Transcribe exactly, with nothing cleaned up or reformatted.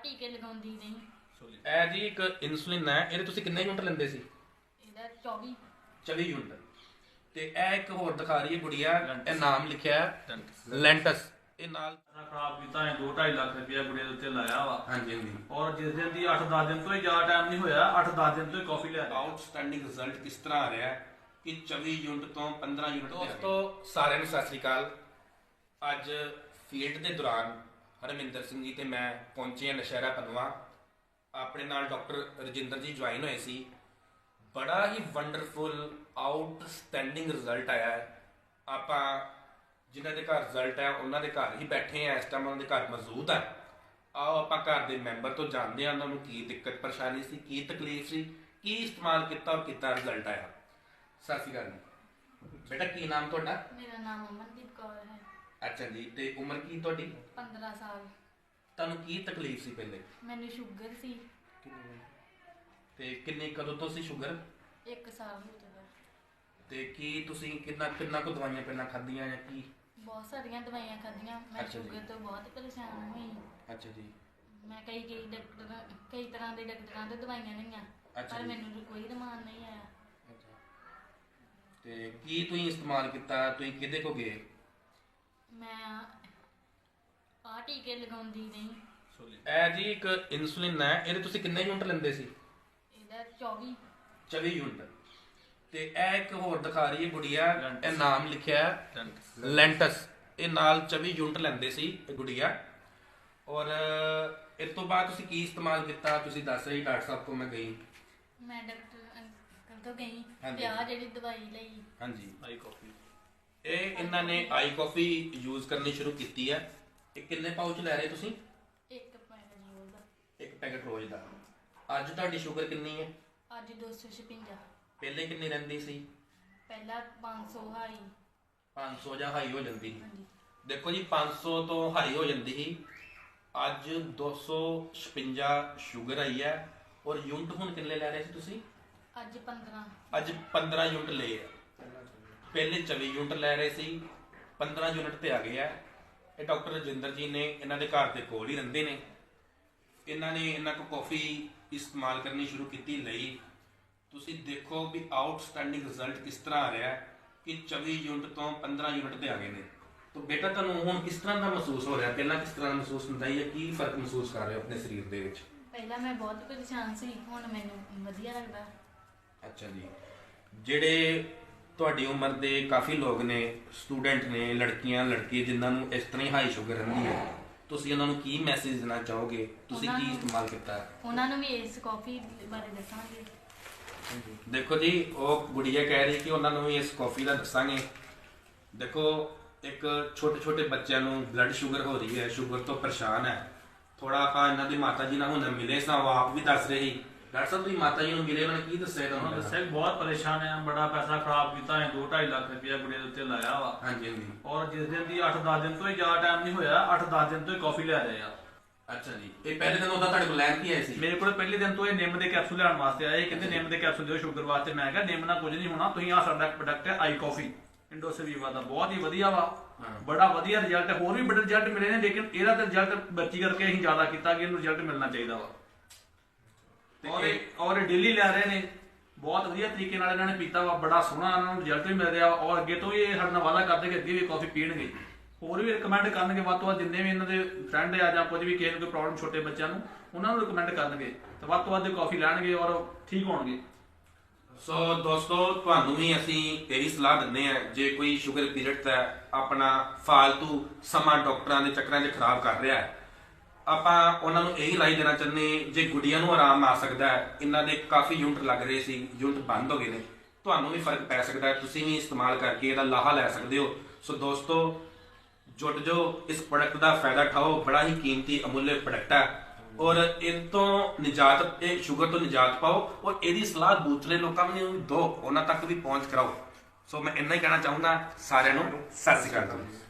ਟੀਕੇ ਲਗਾਉਂਦੀ ਨਹੀਂ। ਇਹ ਜੀ ਇੱਕ ਇਨਸੂਲਿਨ ਹੈ, ਇਹਦੇ ਤੁਸੀਂ ਕਿੰਨੇ ਯੂਨਿਟ ਲੈਂਦੇ ਸੀ? ਇਹਦਾ ਚੌਵੀ ਚੌਵੀ ਯੂਨਿਟ। ਤੇ ਇਹ ਇੱਕ ਹੋਰ ਦਿਖਾ ਰਹੀ ਹੈ ਗੁੜੀਆ, ਇਹ ਨਾਮ ਲਿਖਿਆ ਹੈ ਲੈਂਟਸ। ਇਹ ਨਾਲ ਖਰਾਬ ਕੀਤਾ ਹੈ, ਦੋ ਢਾਈ ਲੱਖ ਰੁਪਇਆ ਗੁੜੀਆ ਦੇ ਉੱਤੇ ਲਾਇਆ ਵਾ। ਹਾਂਜੀ ਹਾਂਜੀ। ਔਰ ਜਿਸ ਦਿਨ ਦੀ ਅੱਠ ਦਸ ਦਿਨ ਤੋਂ ਹੀ ਜ਼ਿਆਦਾ ਟਾਈਮ ਨਹੀਂ ਹੋਇਆ, ਅੱਠ ਦਸ ਦਿਨ ਤੋਂ ਹੀ ਕਾਫੀ ਲਿਆ। ਆਊਟਸਟੈਂਡਿੰਗ ਰਿਜ਼ਲਟ ਕਿਸ ਤਰ੍ਹਾਂ ਆ ਰਿਹਾ ਹੈ ਕਿ ਚੌਵੀ ਯੂਨਿਟ ਤੋਂ ਪੰਦਰਾਂ ਯੂਨਿਟ। ਦੋਸਤੋ ਸਾਰਿਆਂ ਨੂੰ ਸਤਿ ਸ੍ਰੀ ਅਕਾਲ। ਅੱਜ ਫੀਲਡ ਦੇ ਦੌਰਾਨ ਹਰਮਿੰਦਰ ਸਿੰਘ ਜੀ ਤੇ ਮੈਂ ਪਹੁੰਚੇ ਹਾਂ ਨਸ਼ਹਿਰਾ ਪਨਵਾ। ਆਪਣੇ ਨਾਲ ਡਾਕਟਰ ਰਜਿੰਦਰ ਜੀ ਜੁਆਇਨ ਹੋਏ ਸੀ। ਬੜਾ ਹੀ ਵੰਡਰਫੁਲ ਆਊਟਸਟੈਂਡਿੰਗ ਰਿਜ਼ਲਟ ਆਇਆ ਹੈ। ਆਪਾਂ ਜਿਨ੍ਹਾਂ ਦੇ ਘਰ ਰਿਜ਼ਲਟ ਹੈ ਉਹਨਾਂ ਦੇ ਘਰ ਹੀ ਬੈਠੇ ਆ, ਇਸ ਟਾਈਮ ਉਹਨਾਂ ਦੇ ਘਰ ਮੌਜੂਦ ਹੈ। ਆਓ ਆਪਾਂ ਘਰ ਦੇ ਮੈਂਬਰ ਤੋਂ ਜਾਣਦੇ ਹਾਂ ਉਹਨਾਂ ਨੂੰ ਕੀ ਦਿੱਕਤ ਪਰੇਸ਼ਾਨੀ ਸੀ, ਕੀ ਤਕਲੀਫ ਸੀ, ਕੀ ਇਸਤੇਮਾਲ ਕੀਤਾ ਔਰ ਕਿੱਦਾਂ ਰਿਜ਼ਲਟ ਆਇਆ। ਸਤਿ ਸ਼੍ਰੀ ਅਕਾਲ ਜੀ। ਬੇਟਾ ਕੀ ਨਾਮ ਤੁਹਾਡਾ? ਮੇਰਾ ਨਾਮ ਅਮਨਦੀਪ ਕੌਰ ਹੈ। ਅੱਛਾ ਜੀ। ਤੇ ਉਮਰ ਕੀ ਤੁਹਾਡੀ? ਪੰਦਰਾਂ ਸਾਲ। ਤੁਹਾਨੂੰ ਕੀ ਤਕਲੀਫ ਸੀ ਪਹਿਲੇ? ਮੈਨੂੰ ਸ਼ੂਗਰ ਸੀ। ਤੇ ਕਿੰਨੀ ਕਦੋਂ ਤੋਂ ਸੀ ਸ਼ੂਗਰ? ਇੱਕ ਸਾਲ ਹੋ ਚੁੱਕਾ। ਤੇ ਕੀ ਤੁਸੀਂ ਕਿੰਨਾ ਕਿੰਨਾ ਕੁ ਦਵਾਈਆਂ ਪਹਿਲਾਂ ਖਾਧੀਆਂ ਜਾਂ ਕੀ? ਬਹੁਤ ਸਾਰੀਆਂ ਦਵਾਈਆਂ ਖਾਧੀਆਂ। ਮੈਂ ਅੱਛਾ ਜੀ। ਸ਼ੂਗਰ ਤੋਂ ਬਹੁਤ ਪਰੇਸ਼ਾਨ ਹੋਈ। ਅੱਛਾ ਜੀ। ਮੈਂ ਕਈ ਕਈ ਡਾਕਟਰ ਕਈ ਤਰ੍ਹਾਂ ਦੇ ਡਾਕਟਰਾਂ ਤੋਂ ਦਵਾਈਆਂ ਲਈਆਂ, ਅੱਛਾ ਪਰ ਜੀ। ਮੈਨੂੰ ਕੋਈ ਰਮਾਨ ਨਹੀਂ ਆਇਆ। ਅੱਛਾ। ਤੇ ਕੀ ਤੁਸੀਂ ਇਸਤੇਮਾਲ ਕੀਤਾ? ਤੁਸੀਂ ਕਿਹਦੇ ਕੋ ਗਏ? ਮੈਂ ਆ ਟੀਕੇ ਲਗਾਉਂਦੀ ਨਹੀਂ। ਇਹ ਜੀ ਇੱਕ ਇਨਸੂਲਿਨ ਹੈ, ਇਹਦੇ ਤੁਸੀਂ ਕਿੰਨੇ ਯੂਨਿਟ ਲੈਂਦੇ ਸੀ? ਇਹਦਾ ਚੌਵੀ ਚੌਵੀ ਯੂਨਿਟ। ਤੇ ਇਹ ਇੱਕ ਹੋਰ ਦਿਖਾ ਰਹੀ ਹੈ ਗੁੜੀਆ, ਇਹ ਨਾਮ ਲਿਖਿਆ ਹੈ ਲੈਂਟਸ। ਇਹ ਨਾਲ ਚੌਵੀ ਯੂਨਿਟ ਲੈਂਦੇ ਸੀ ਇਹ ਗੁੜੀਆ। ਔਰ ਇਸ ਤੋਂ ਬਾਅਦ ਤੁਸੀਂ ਕੀ ਇਸਤੇਮਾਲ ਕੀਤਾ? ਤੁਸੀਂ ਦੱਸ ਰਹੀ ਡਾਕਟਰ ਸਾਹਿਬ ਕੋਲ ਮੈਂ ਗਈ। ਮੈਂ ਡਾਕਟਰ ਅੰਕਲ ਤੋਂ ਗਈ ਹਾਂਜੀ। ਤੇ ਆ ਜਿਹੜੀ ਦਵਾਈ ਲਈ। ਹਾਂਜੀ। ਆਈ ਕਾਫੀ ਇਹ ਇਹਨਾਂ ਨੇ ਆਈ ਕਾਫੀ ਯੂਜ਼ ਕਰਨੀ ਸ਼ੁਰੂ ਕੀਤੀ ਹੈ। ਇਹ ਕਿੰਨੇ ਪਾਊਚ ਲੈ ਰਹੇ ਤੁਸੀਂ? ਇੱਕ ਪੈਕਟ ਜੋਲ ਦਾ। ਇੱਕ ਪੈਕਟ ਰੋਜ਼ ਦਾ। ਅੱਜ ਤੁਹਾਡੀ ਸ਼ੂਗਰ ਕਿੰਨੀ ਹੈ? ਅੱਜ ਦੋ ਸੌ ਛਪੰਜਾ। ਪਹਿਲੇ ਕਿੰਨੀ ਰਹਿੰਦੀ ਸੀ? ਪਹਿਲਾਂ ਪੰਜ ਸੌ ਹਾਈ। ਪੰਜ ਸੌ ਜਾਂ ਹਾਈ ਹੋ ਜਾਂਦੀ ਸੀ। ਹਾਂਜੀ। ਦੇਖੋ ਜੀ ਪੰਜ ਸੌ ਤੋਂ ਹਾਈ ਹੋ ਜਾਂਦੀ ਸੀ, ਅੱਜ ਦੋ ਸੌ ਛਪੰਜਾ ਸ਼ੂਗਰ ਆਈ ਹੈ। ਔਰ ਯੂਨਿਟ ਹੁਣ ਕਿੰਨੇ ਲੈ ਰਹੇ ਸੀ ਤੁਸੀਂ? ਅੱਜ ਪੰਦਰਾਂ। ਅੱਜ ਪੰਦਰਾਂ ਯੂਨਿਟ ਲਏ ਆ। ਪਹਿਲੇ ਚੌਵੀ ਯੂਨਿਟ ਲੈ ਰਹੇ ਸੀ, ਪੰਦਰਾਂ ਯੂਨਿਟ ਤੇ ਆ ਗਏ ਆ। ਇਹ ਡਾਕਟਰ ਰਜਿੰਦਰ ਜੀ ਨੇ, ਇਹਨਾਂ ਦੇ ਘਰ ਦੇ ਕੋਲ ਹੀ ਰਹਿੰਦੇ ਨੇ। ਇਹਨਾਂ ਨੇ ਇਹਨਾਂ ਕੋ ਕਾਫੀ ਇਸਤੇਮਾਲ ਕਰਨੀ ਸ਼ੁਰੂ ਕੀਤੀ ਲਈ। ਤੁਸੀਂ ਦੇਖੋ ਵੀ ਆਊਟਸਟੈਂਡਿੰਗ ਰਿਜ਼ਲਟ ਕਿਸ ਤਰ੍ਹਾਂ ਆ ਰਿਹਾ ਹੈ ਕਿ ਚੌਵੀ ਯੂਨਿਟ ਤੋਂ ਪੰਦਰਾਂ ਯੂਨਿਟ ਤੇ ਆ ਗਏ ਨੇ। ਤਾਂ ਬੇਟਾ ਤੁਹਾਨੂੰ ਹੁਣ ਕਿਸ ਤਰ੍ਹਾਂ ਦਾ ਮਹਿਸੂਸ ਹੋ ਰਿਹਾ? ਪਹਿਲਾਂ ਕਿਸ ਤਰ੍ਹਾਂ ਦਾ ਮਹਿਸੂਸ ਹੁੰਦਾ ਹੈ ਜਾਂ ਕੀ ਫਰਕ ਮਹਿਸੂਸ ਕਰ ਰਹੇ ਹੋ ਆਪਣੇ ਸਰੀਰ ਦੇ ਵਿੱਚ? ਪਹਿਲਾਂ ਮੈਂ ਬਹੁਤ ਪਰੇਸ਼ਾਨ ਸੀ, ਹੁਣ ਮੈਨੂੰ ਵਧੀਆ ਲੱਗਦਾ। ਅੱਛਾ ਜੀ। ਜਿਹੜੇ ਤੁਹਾਡੀ ਉਮਰ ਦੇ ਕਾਫੀ ਲੋਕ ਨੇ, ਸਟੂਡੈਂਟ ਨੇ, ਲੜਕੀਆਂ ਲੜਕੇ ਜਿਨ੍ਹਾਂ ਨੂੰ ਇਸ ਤਰ੍ਹਾਂ ਹੀ ਹਾਈ ਸ਼ੂਗਰ ਰਹਿੰਦੀ ਹੈ, ਤੁਸੀਂ ਉਹਨਾਂ ਨੂੰ ਕੀ ਮੈਸੇਜ ਦੇਣਾ ਚਾਹੋਗੇ? ਤੁਸੀਂ ਉਹਨਾਂ ਕੀ ਨੂੰ- ਇਸਤੇਮਾਲ ਕੀਤਾ ਹੈ? ਉਹਨਾਂ ਨੂੰ ਵੀ ਇਸ ਕਾਫੀ ਬਾਰੇ ਦੱਸਾਂਗੇ। ਦੇਖੋ ਜੀ, ਉਹ ਗੁੜੀਆ ਕਹਿ ਰਹੀ ਕਿ ਉਹਨਾਂ ਨੂੰ ਵੀ ਇਸ ਕਾਫੀ ਦਾ ਦੱਸਾਂਗੇ। ਦੇਖੋ ਇੱਕ ਛੋਟੇ ਛੋਟੇ ਬੱਚਿਆਂ ਨੂੰ ਬਲੱਡ ਸ਼ੂਗਰ ਹੋ ਰਹੀ ਹੈ, ਸ਼ੂਗਰ ਤੋਂ ਪਰੇਸ਼ਾਨ ਹੈ। ਥੋੜਾ ਆਪਾਂ ਇਹਨਾਂ ਦੀ ਮਾਤਾ ਜੀ ਨਾਲ ਹੁਣ ਮਿਲੇ ਸਾਂ, ਉਹ ਆਪ ਵੀ ਦੱਸ ਰਹੇ ਸੀ। ਡਾਕਟਰ ਸਾਹਿਬ ਤੁਸੀਂ ਮਾਤਾ ਜੀ ਨੂੰ ਮਿਲੇ, ਉਹਨਾਂ ਨੇ ਕੀ ਦੱਸਿਆ ਉਹਨਾਂ ਤੁਹਾਨੂੰ? ਦੱਸਿਆ ਕਿ ਬਹੁਤ ਪਰੇਸ਼ਾਨ ਹੈ, ਬੜਾ ਪੈਸਾ ਖਰਾਬ ਕੀਤਾ ਹੈ, ਦੋ ਢਾਈ ਲੱਖ ਰੁਪਇਆ ਗੁੜੀਆ ਦੇ ਉੱਤੇ ਲਾਇਆ ਵਾ। ਹਾਂਜੀ ਹਾਂਜੀ। ਔਰ ਜਿਸ ਦਿਨ ਦੀ ਅੱਠ ਦਸ ਦਿਨ ਤੋਂ ਹੀ ਜ਼ਿਆਦਾ ਟਾਈਮ ਨਹੀਂ ਹੋਇਆ, ਅੱਠ ਦਸ ਦਿਨ ਤੋਂ ਹੀ ਕਾਫੀ ਲੈ ਰਹੇ ਆ। ਅੱਛਾ ਜੀ। ਇਹ ਪਹਿਲੇ ਦਿਨ ਉਹਦਾ ਤੁਹਾਡੇ ਕੋਲ ਲੈਣ ਕੀ ਆਏ ਸੀ? ਮੇਰੇ ਕੋਲ ਪਹਿਲੇ ਦਿਨ ਤੋਂ ਇਹ ਨਿੰਮ ਦੇ ਕੈਪਸੂਲ ਲੈਣ ਵਾਸਤੇ ਆਏ। ਕਹਿੰਦੇ ਨਿੰਮ ਦੇ ਕੈਪਸੂਲ ਦਿਓ ਸ਼ੂਗਰ ਵਾਸਤੇ। ਮੈਂ ਕਿਹਾ ਨਿੰਮ ਨਾਲ ਕੁਝ ਨਹੀਂ ਹੋਣਾ, ਤੁਸੀਂ ਆ ਸਾਡਾ ਪ੍ਰੋਡਕਟ ਹੈ ਆਈ ਕਾਫੀ ਇੰਡੋਸਵੀਵਾ ਦਾ, ਬਹੁਤ ਹੀ ਵਧੀਆ ਵਾ। ਬੜਾ ਵਧੀਆ ਰਿਜ਼ਲਟ, ਹੋਰ ਵੀ ਬੜੇ ਰਿਜ਼ਲਟ ਮਿਲੇ ਨੇ, ਲੇਕਿਨ ਇਹਦਾ ਤਾਂ ਰਿਜ਼ਲਟ ਬੱਚੀ ਕਰਕੇ ਅਸੀਂ ਜ਼ਿਆਦਾ ਕੀਤਾ ਕਿ ਇਹਨੂੰ ਰਿਜ਼ਲਟ ਮਿਲਣਾ ਚਾਹੀਦਾ ਵਾ। ਔਰ ਇਹ ਔਰ ਡੇਲੀ ਲੈ ਰਹੇ ਨੇ, ਬਹੁਤ ਵਧੀਆ ਤਰੀਕੇ ਨਾਲ ਇਹਨਾਂ ਨੇ ਪੀਤਾ ਵਾ, ਬੜਾ ਸੋਹਣਾ ਇਹਨਾਂ ਨੂੰ ਰਿਜ਼ਲਟ ਵੀ ਮਿਲ ਰਿਹਾ ਵਾ। ਔਰ ਅੱਗੇ ਤੋਂ ਵੀ ਇਹ ਸਾਡੇ ਨਾਲ ਵਾਅਦਾ ਕਰਦੇ ਕਿ ਅੱਗੇ ਵੀ ਕਾਫੀ ਪੀਣਗੇ, ਹੋਰ ਵੀ ਰਿਕਮੈਂਡ ਕਰਨਗੇ ਵੱਧ ਤੋਂ ਵੱਧ। ਜਿੰਨੇ ਵੀ ਇਹਨਾਂ ਦੇ ਫਰੈਂਡ ਆ ਜਾਂ ਕੁਝ ਵੀ ਕਿਸੇ ਨੂੰ ਕੋਈ ਪ੍ਰੋਬਲਮ ਛੋਟੇ ਬੱਚਿਆਂ ਨੂੰ, ਉਹਨਾਂ ਨੂੰ ਰਿਕਮੈਂਡ ਕਰਨਗੇ ਤੇ ਵੱਧ ਤੋਂ ਵੱਧ ਕਾਫੀ ਲੈਣਗੇ ਔਰ ਠੀਕ ਹੋਣਗੇ। ਸੋ ਦੋਸਤੋ, ਤੁਹਾਨੂੰ ਵੀ ਅਸੀਂ ਇਹੀ ਸਲਾਹ ਦਿੰਦੇ ਹਾਂ, ਜੇ ਕੋਈ ਸ਼ੂਗਰ ਪੀਰੀਅਡ ਦਾ ਆਪਣਾ ਫਾਲਤੂ ਸਮਾਂ ਡਾਕਟਰਾਂ ਦੇ ਚੱਕਰਾਂ 'ਚ ਖਰਾਬ ਕਰ ਰਿਹਾ ਹੈ, ਆਪਾਂ ਉਹਨਾਂ ਨੂੰ ਇਹੀ ਰਾਏ ਦੇਣਾ ਚਾਹੁੰਦੇ, ਜੇ ਗੁੱਡੀਆਂ ਨੂੰ ਆਰਾਮ ਆ ਸਕਦਾ ਹੈ, ਇਹਨਾਂ ਦੇ ਕਾਫੀ ਯੂਨਿਟ ਲੱਗ ਰਹੇ ਸੀ, ਯੂਨਿਟ ਬੰਦ ਹੋ ਗਏ ਨੇ, ਤੁਹਾਨੂੰ ਵੀ ਫਰਕ ਪੈ ਸਕਦਾ ਹੈ। ਤੁਸੀਂ ਵੀ ਇਸਤੇਮਾਲ ਕਰਕੇ ਇਹਦਾ ਲਾਹਾ ਲੈ ਸਕਦੇ ਹੋ। ਸੋ ਦੋਸਤੋ, ਜੁਟ ਜੋ ਇਸ ਪ੍ਰੋਡਕਟ ਦਾ ਫਾਇਦਾ ਉਠਾਓ। ਬੜਾ ਹੀ ਕੀਮਤੀ ਅਮੁੱਲੇ ਪ੍ਰੋਡਕਟ ਹੈ ਔਰ ਇਹ ਤੋਂ ਨਿਜਾਤ, ਇਹ ਸ਼ੂਗਰ ਤੋਂ ਨਿਜਾਤ ਪਾਓ ਔਰ ਇਹਦੀ ਸਲਾਹ ਦੂਸਰੇ ਲੋਕਾਂ ਨੂੰ ਦਿਓ, ਉਹਨਾਂ ਤੱਕ ਵੀ ਪਹੁੰਚ ਕਰਾਓ। ਸੋ ਮੈਂ ਇੰਨਾ ਹੀ ਕਹਿਣਾ ਚਾਹੁੰਦਾ। ਸਾਰਿਆਂ ਨੂੰ ਸਤਿ ਸ਼੍ਰੀ ਅਕਾਲ।